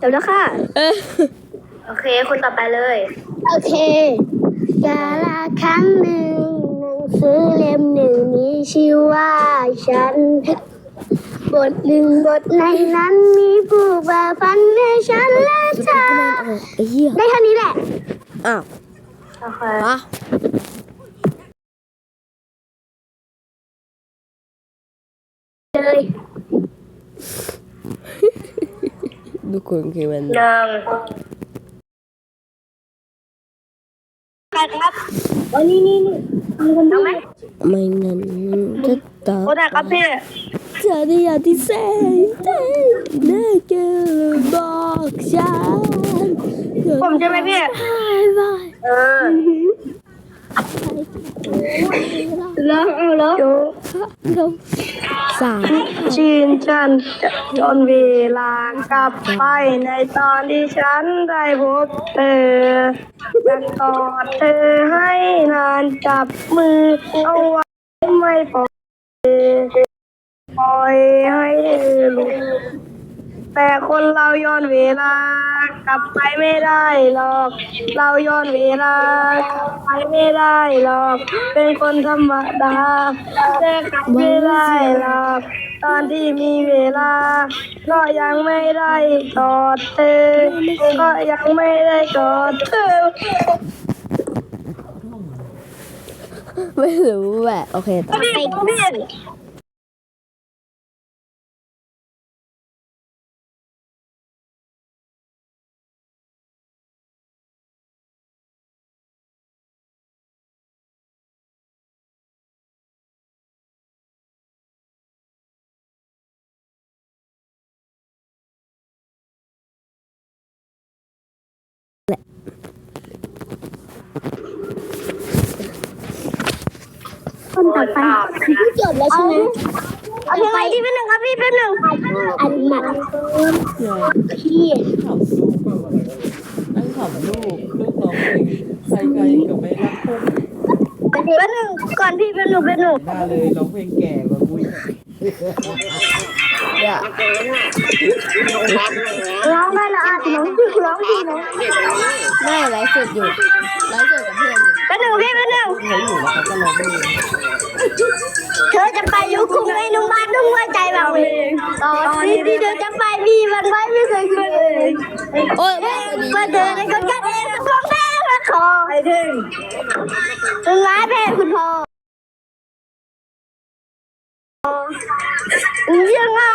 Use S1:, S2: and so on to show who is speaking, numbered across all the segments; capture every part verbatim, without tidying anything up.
S1: จบแล้วค่ะ
S2: เออ
S3: โอเคคนต่อไปเลย
S1: โอเคกาลาครั้งหนึ่งหนังสือเล่มหนึ่งมีชื่อว่าฉันบทหนึ่งบทในนั้นมีผู้บ่าพันให้ฉันและเธอ
S2: ไอ้เหี้ย
S1: ได้เท่านี้แหละ
S2: อ้าว
S3: โอเค
S2: ปะ
S1: เลย
S2: ทุกคนคือมัน
S3: หนึ่งใครครับ
S1: อ๋อนี่นี่นี่มีคนดูไหม
S2: ไม่นั้นจะตอบ
S3: คนไหนครับพี่
S2: จะได้อยากที่แสนน่าเกินบอกฉัน
S3: ผมใช่ไหมพี่
S2: บาย
S3: เออ
S1: แล้วเอาแล้ว
S2: เราสาม
S3: ชินฉันจะจนเวลากลับไปในตอนที่ฉันได้พบเธอจะกอดเธอให้นานจับมือเอาไว้ไม่ปล่อยปล่อยให้เธอหลุดแต่คนเราย้อนเวลากลับไปไม่ได้หรอก เราย้อนเวลากลับไปไม่ได้หรอก เป็นคนธรรมดาแต่กลับไม่ได้หรอก ตอนที่มีเวลา ก็ยังไม่ได้กอดเธอ ก็ยังไม่ได้กอดเธอ
S2: ไม่รู้แหละโอเคต่อ
S3: พี่พี่
S1: คนต่อไปที่จบแล้วใช่ไหม
S3: เอาเพลงอะไรที่เป็นหนึ่งครับพี่เป็นหนึ่ง
S1: อันหนักพี่
S4: นั่งขำลูกลูกร้องเพลงใครใครกับไม่รักคน
S3: เป็นหนึ่งก่อนพี่เป็นหนึ่งเป็นหนึ่ง
S4: หน้าเลยร้องเพลงแก่กว่ากูอีก
S2: เนี่ย
S3: ร้องได้ละอ่ะน้องพี่ร้องพี่น้อง
S2: ไม่ไลฟ์สดอยู่ไลฟ์สดกับเพื่อนอยู่
S3: เป็นหนึ่งพี่เป็นหนึ่ง
S4: เขาอยู่แล้วเขาก็ร้องเพลง
S3: เธอจะไปยุคคุ้งไอ้นุ่มบ้านนุ่มหัวใจแบบเองตอนนี้ที่เธอจะไปพี่มันไว้ไม่เคยคืนเลย
S2: โอ้ย
S3: เมื่อเธอในคนกันเองมันฟ้องแม่มาขอไอ้ถึงจนร้ายแพ้คุณพ่อยังไง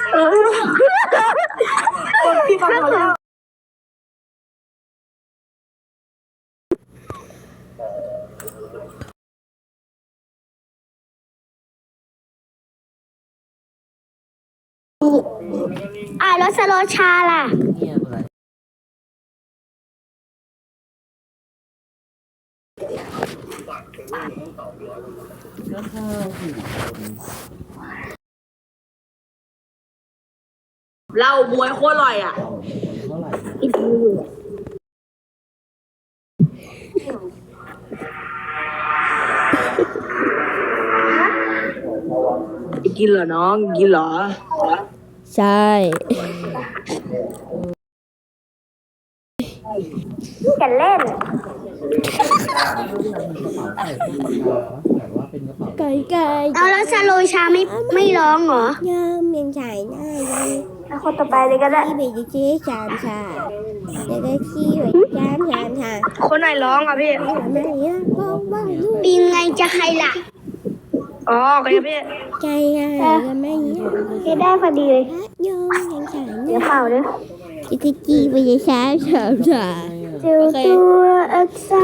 S3: พี่ฟังเขาแล้ว
S1: อ่ะแล้วสโลชาล่ะ
S4: เงียบอะไรก็ข้าวผิด
S3: เหล้าบวยโคตรอร่อยอ่ะ
S4: เท่าไหร่
S1: อีกมือ
S3: กินเหรอน้องกินเหรอ
S2: ใช่
S3: กันเล่น
S4: แต่ว่าเป็นกระเป๋า
S2: ไก่ไก่
S1: เอาแล้วสโลชาไม่ไม่ร้องเหรอ
S2: ยามยังใส่หน้ายัง
S3: คนต่อไปเลยก็ได้
S2: ที่ไปเจ๊สามชาแล้วก็ขี้ไว้สามสามชา
S3: คนไหนร้องอ่ะพี่
S2: ทำไมอ่ะบอกว่าลูก
S1: ปีนไงจะใครล่ะ
S3: อ๋อโอเคพี่
S2: ใจอ่ะทำไมอ่ะ
S1: เคได้พอดีเลย
S2: ยอมยังใส่ห
S3: เดี๋ยว
S2: น้า
S3: เปล่าเด้อ
S2: จะกี้ไปสามสามชา
S1: เจอตัวอักษ